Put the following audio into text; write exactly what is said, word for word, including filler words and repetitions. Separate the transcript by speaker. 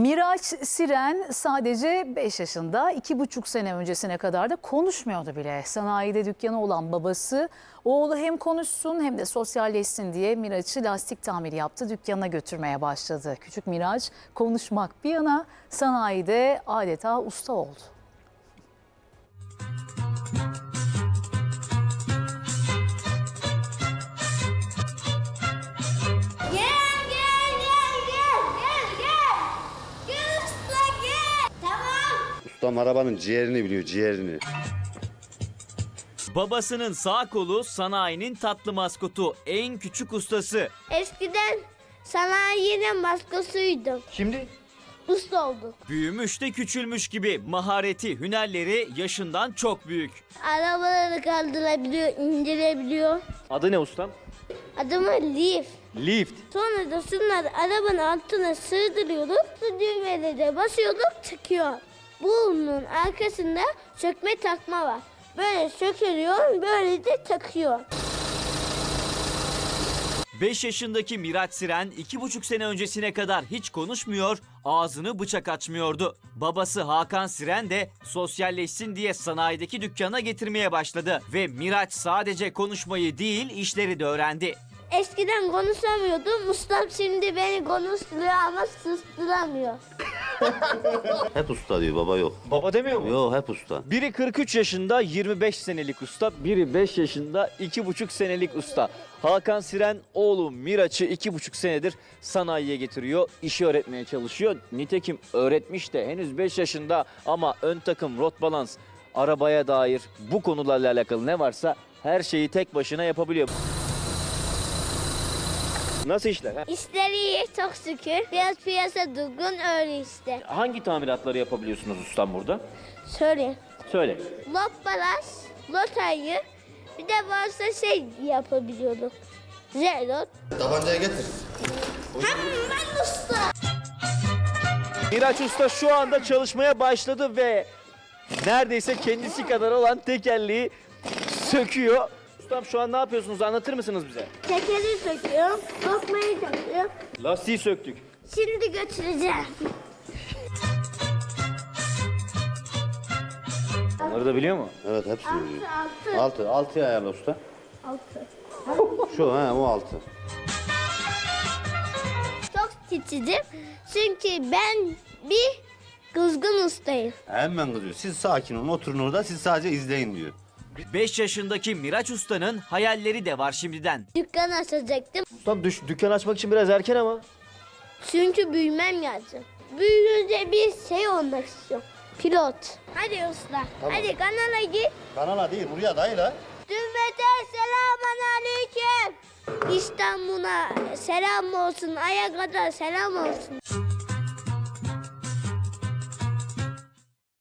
Speaker 1: Miraç Siren sadece beş yaşında, iki buçuk sene öncesine kadar da konuşmuyordu bile. Sanayide dükkanı olan babası oğlu hem konuşsun hem de sosyalleşsin diye Miraç'ı lastik tamiri yaptı, dükkanına götürmeye başladı. Küçük Miraç konuşmak bir yana sanayide adeta usta oldu.
Speaker 2: Ustam arabanın ciğerini biliyor, ciğerini.
Speaker 3: Babasının sağ kolu sanayinin tatlı maskotu, en küçük ustası.
Speaker 4: Eskiden sanayinin maskosuydum.
Speaker 3: Şimdi
Speaker 4: Usta oldum.
Speaker 3: büyümüş de küçülmüş gibi, mahareti, hünerleri yaşından çok büyük.
Speaker 4: Arabaları kaldırabiliyor, indirebiliyor.
Speaker 3: Adı ne ustam?
Speaker 4: Adımı Leaf.
Speaker 3: Lift.
Speaker 4: Sonra da şunları arabanın altına sığdırıyorduk. Şu düğmelere basıyorduk, çıkıyor. Bunun arkasında sökme takma var. Böyle sökülüyor, böyle de takıyor.
Speaker 3: beş yaşındaki Miraç Siren iki buçuk sene öncesine kadar hiç konuşmuyor, ağzını bıçak açmıyordu. Babası Hakan Siren de sosyalleşsin diye sanayideki dükkana getirmeye başladı. Ve Miraç sadece konuşmayı değil, işleri de öğrendi.
Speaker 4: Eskiden konuşamıyordum. Ustam şimdi beni konuşturuyor ama susturamıyor.
Speaker 2: Hep usta diyor, baba yok.
Speaker 3: Baba demiyor mu?
Speaker 2: Yok, hep usta.
Speaker 3: Biri kırk üç yaşında yirmi beş senelik usta, biri beş yaşında iki buçuk senelik usta. Hakan Siren oğlu Miraç'ı iki buçuk senedir sanayiye getiriyor, işi öğretmeye çalışıyor. Nitekim öğretmiş de henüz beş yaşında ama ön takım, rot balans, arabaya dair bu konularla alakalı ne varsa her şeyi tek başına yapabiliyor. Nasıl işler? Ha?
Speaker 4: İşleri iyi çok şükür. Biraz piyasa durgun öyle işte.
Speaker 3: Hangi tamiratları yapabiliyorsunuz ustam burada?
Speaker 4: Söyle.
Speaker 3: Söyle.
Speaker 4: Lot balas, lot ayı. Bir de varsa şey yapabiliyorduk. Zelot.
Speaker 2: Tabancayı getir.
Speaker 4: Hemen usta.
Speaker 3: Miraç Usta şu anda çalışmaya başladı ve neredeyse kendisi kadar olan tekerleği söküyor. Ustam şu an ne yapıyorsunuz, anlatır mısınız bize?
Speaker 4: Tekeri söküyorum, lokmayı takıyorum.
Speaker 3: Lastiği söktük.
Speaker 4: Şimdi götüreceğim.
Speaker 3: Onları da biliyor mu?
Speaker 2: Evet, hepsini biliyor.
Speaker 4: Altı,
Speaker 2: Altı, altıya ayarla usta.
Speaker 4: altı.
Speaker 2: Şu, he, o altı.
Speaker 4: Çok titizim çünkü ben bir kızgın ustayım.
Speaker 2: Hemen kızıyor. Siz sakin olun, oturun orada, siz sadece izleyin diyor.
Speaker 3: beş yaşındaki Miraç Usta'nın hayalleri de var şimdiden.
Speaker 4: Dükkan açacaktım
Speaker 3: Ustam düş, dükkan açmak için biraz erken ama.
Speaker 4: çünkü büyümem lazım. Büyüyünce bir şey olmak istiyorum. Pilot. Hadi usta. Hadi kanala git.
Speaker 2: Kanala değil, buraya dayı la.
Speaker 4: Cümlete selamun aleyküm. İstanbul'a selam olsun. Aya kadar selam olsun.